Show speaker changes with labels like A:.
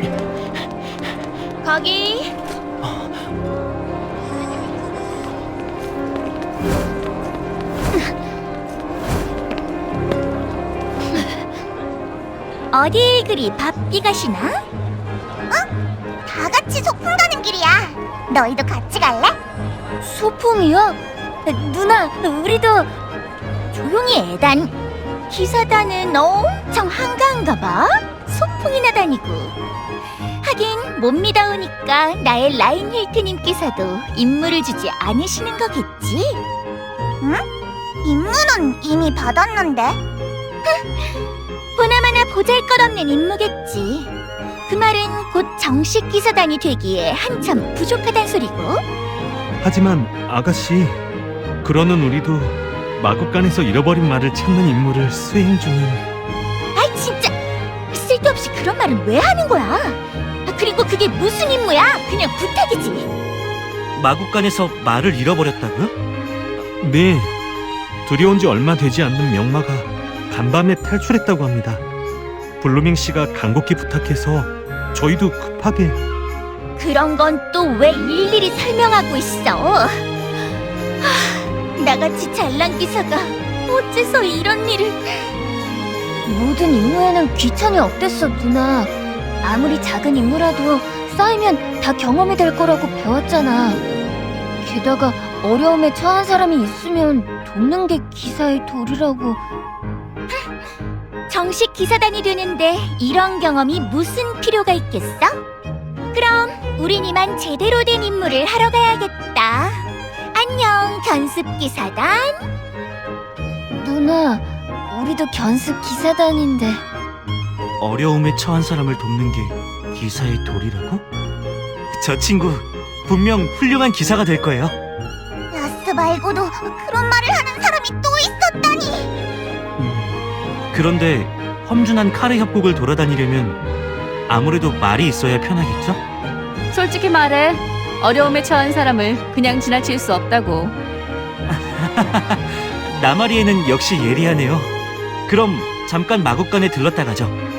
A: 거기. 어딜 그리 바삐 가시나?
B: 다 같이 소풍 가는 길이야. 너희도 같이 갈래?
A: 소풍이요? 누나, 우리도. 조용히 애단. 기사단은 엄청 한가한가 봐. 소풍이나 다니고. 하긴 못 믿어오니까 나의 라인 힐트님께서도 임무를 주지 않으시는 거겠지?
B: 임무는 이미 받았는데.
A: 보나마나 보잘것없는 임무겠지. 그 말은 곧 정식 기사단이 되기에 한참 부족하단 소리고.
C: 하지만 아가씨, 그러는 우리도 마국간에서 잃어버린 말을 찾는 임무를 수행 중인.
A: 아이 진짜 쓸데없이 그런 말은 왜 하는 거야? 그리고 그게 무슨 임무야? 그냥 부탁이지.
D: 마국간에서 말을 잃어버렸다고요?
C: 네, 들여온 지 얼마 되지 않는 명마가 간밤에 탈출했다고 합니다. 블루밍 씨가 간곡히 부탁해서 저희도 급하게.
A: 그런 건 또 왜 일일이 설명하고 있어? 나같이 잘난 기사가 어째서 이런 일을. 모든 임무에는 귀천이 없댔어, 누나. 아무리 작은 임무라도 쌓이면 다 경험이 될 거라고 배웠잖아. 게다가 어려움에 처한 사람이 있으면 돕는 게 기사의 도리라고. 정식 기사단이 되는데 이런 경험이 무슨 필요가 있겠어? 그럼 우린 이만 제대로 된 임무를 하러 가야겠다. 안녕, 견습 기사단. 누나, 우리도 견습 기사단인데.
D: 어려움에 처한 사람을 돕는 게 기사의 도리라고? 저 친구 분명 훌륭한 기사가 될 거예요.
B: 라스 말고도 그런 말을 하는 사람이 또 있었다니.
D: 그런데 험준한 카르 협곡을 돌아다니려면 아무래도 말이 있어야 편하겠죠?
E: 솔직히 말해, 어려움에 처한 사람을 그냥 지나칠 수 없다고.
D: 나마리에는 역시 예리하네요. 그럼 잠깐 마국간에 들렀다 가죠.